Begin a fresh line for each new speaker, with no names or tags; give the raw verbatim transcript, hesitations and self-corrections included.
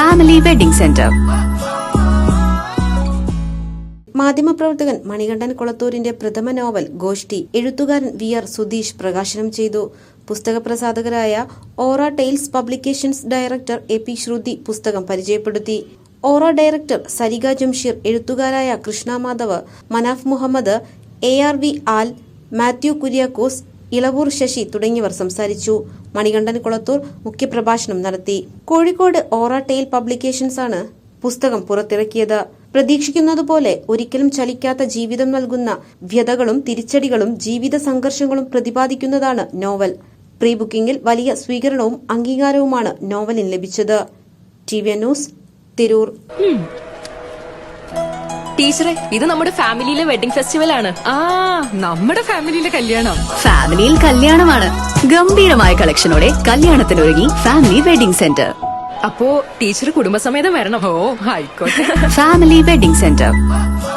Family wedding centre.
മാധ്യമപ്രവർത്തകൻ മണികണ്ഠൻ കൊളത്തൂരിന്റെ പ്രഥമ novel ഗോഷ്ഠി എഴുത്തുകാരൻ വി ആർ സുധീഷ് പ്രകാശനം ചെയ്തു. പുസ്തക പ്രസാധകരായ Aura Tales publications director A P Shruthi പുസ്തകം പരിചയപ്പെടുത്തി. ഓറ ഡയറക്ടർ സരിക ജംഷീർ, എഴുത്തുകാരായ Krishna Madhav, Manaf Muhammad, A R V ആൽ, മാത്യു കുര്യാക്കോസ്, ഇളവൂർ ശശി തുടങ്ങിയവർ സംസാരിച്ചു. മണികണ്ഠൻ കൊളത്തൂർ മുഖ്യപ്രഭാഷണം നടത്തി. കോഴിക്കോട് ഓറ ടെയിൽ പബ്ലിക്കേഷൻസ് ആണ് പുസ്തകം പുറത്തിറക്കിയത്. പ്രതീക്ഷിക്കുന്നതുപോലെ ഒരിക്കലും ചലിക്കാത്ത ജീവിതം നൽകുന്ന വ്യതകളും തിരിച്ചടികളും ജീവിത സംഘർഷങ്ങളും പ്രതിപാദിക്കുന്നതാണ് നോവൽ. പ്രീ ബുക്കിംഗിൽ വലിയ സ്വീകരണവും അംഗീകാരവുമാണ് നോവലിന് ലഭിച്ചത്. T V news, Tirur.
ടീച്ചറെ, ഇത് നമ്മുടെ ഫാമിലിയിലെ വെഡിംഗ് ഫെസ്റ്റിവൽ ആണ്.
ആ നമ്മുടെ ഫാമിലിയിലെ കല്യാണം.
ഫാമിലിയിൽ കല്യാണമാണ്. ഗംഭീരമായ കളക്ഷനോടെ കല്യാണത്തിനൊരുങ്ങി ഫാമിലി വെഡിംഗ് സെന്റർ.
അപ്പോ ടീച്ചർ കുടുംബസമേതം വരണം.
ഓ ആയിക്കോട്ടെ.
Family wedding centre.